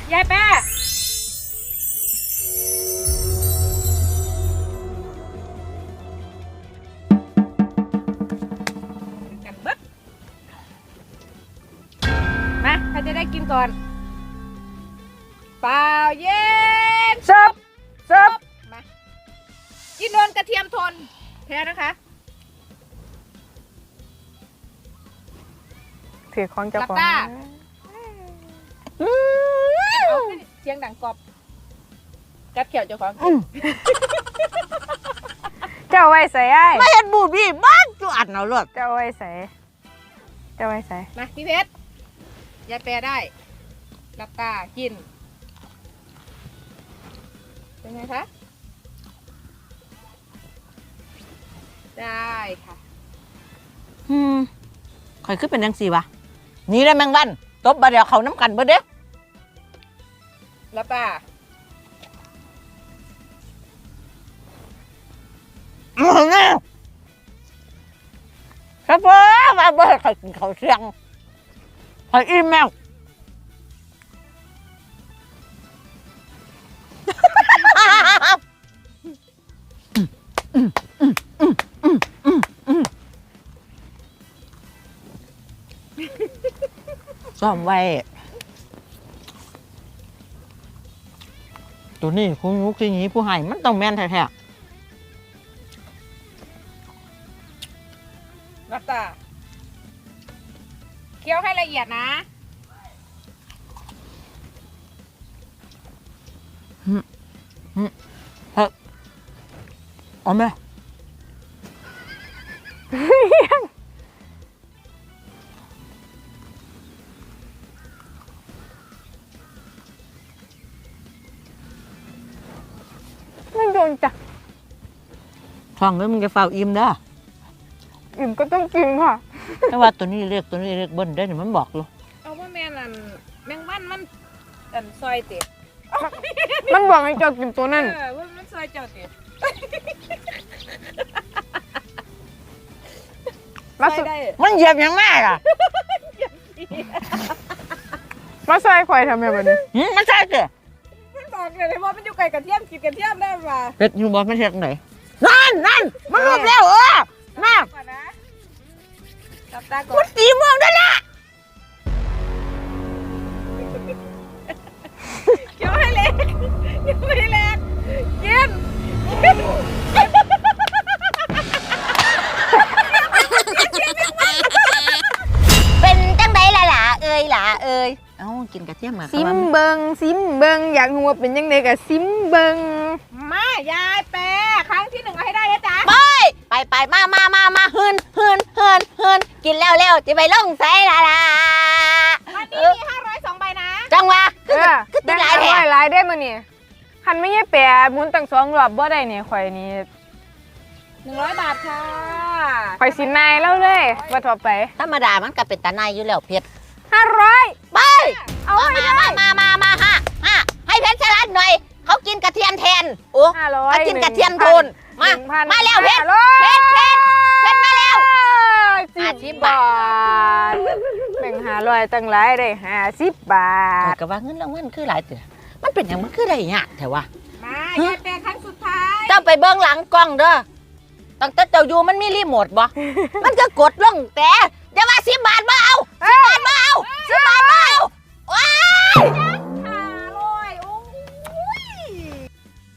ยายแป้กันบึ๊ดมาใครจะได้กินก่อนเปล่าเย็นซับมากินโดนกระเทียมทนแพ้นะคะถือของเจ้าของเสียงดังกรอบกัดเขียวเจ้าของเจ้าไว้ใส่ไอ้ไม่เห็นบูบี้บ้านจุอัดเอาเลือดเจ้าไว้ใส่มาพี่เพชรยายแปรได้หลับตากินเป็นไงคะได้ค่ะข่อยขึ้นเป็นยังสี่วะนี่ได้แมงวันตบบาเดียวเขาน้ำกันเบิดเด้หลับตาครับพ่อมาเบิดข่อยกินข้าวเที่ยงข่อยอิ่มแมวซ้อมไว้ตัวนี้คุณยุกที่นี้ผู้ให้มันต้องแม่นแท้หลับตาเคี้ยวให้ละเอียดนะเอาไหมไม่โดนจ้ะท้องเลยมึงจะเฝ้าอิ่มเด้ออิ่มก็ต้องกินค่ะแต่ว่าตัวนี้เรียกเบิ้ลได้เนี่ยมันบอกอยู่เอาว่าแม่นั่นแมงวันมันซอยเตะมันบอกให้เจ้ากินตัวนั้นว่ามันซอยเจ้าเตะมันเหยียบยังมากอ่ะมาใส่ควายทำยังไงนี่มันใช่เจ้มันบอกเลยว่ามันอยู่ไกลกระเทียมกินกระเทียมได้ป่ะเป็ดอยู่บนไม่เทียงไหนนั่นมันรวบแล้วน่าจับตาก่อนมันตีเมืองได้ละเกี่ยวให้เล็กกินเป็นจังไดล่ะเอ้ยเอ้ากินกระเทียมมาซิมเบิงอยากรู้ว่าเป็นยังไงกับซิมเบิงมายายแปรครั้งที่1เอาให้ได้นะจ๊ะไปมาฮืนกินแล้วจะไปลงใส่ละวันนี้มี502 ใบนะจังวะคือได้หลายได้มาเนี่ยคันไม่ใช่แปรหมุนตั้ง2 รอบบ่ได้เนี่ยข่อยนี่ 100 บาทค่ะข่อยสินายแล้วเลยว่าต่อไปธรรมดามันก็เป็นตาในอยู่แล้วเพชร 500 ไปเอามาฮะให้เพชรฉลาดหน่อยเขากินกระเทียมแทนโอ้เขากินกระเทียมโทนมาแล้วเพชรมาแล้ว 50 บาทแบ่ง500ตั้งหลายได้50 บาทก็ว่าเงินรางวัลคือหลายเถอะมันเป็นอย่างมันคืออะไรเนี่ยแต่ว่ามายายแปรครั้งสุดท้ายเจ้าไปเบื้องหลังกล้องเด้อตั้งแต่เจ้าอยู่มันมีรีโมทบ่มันก็กดลงแต่อย่าว่า10 บาทบ่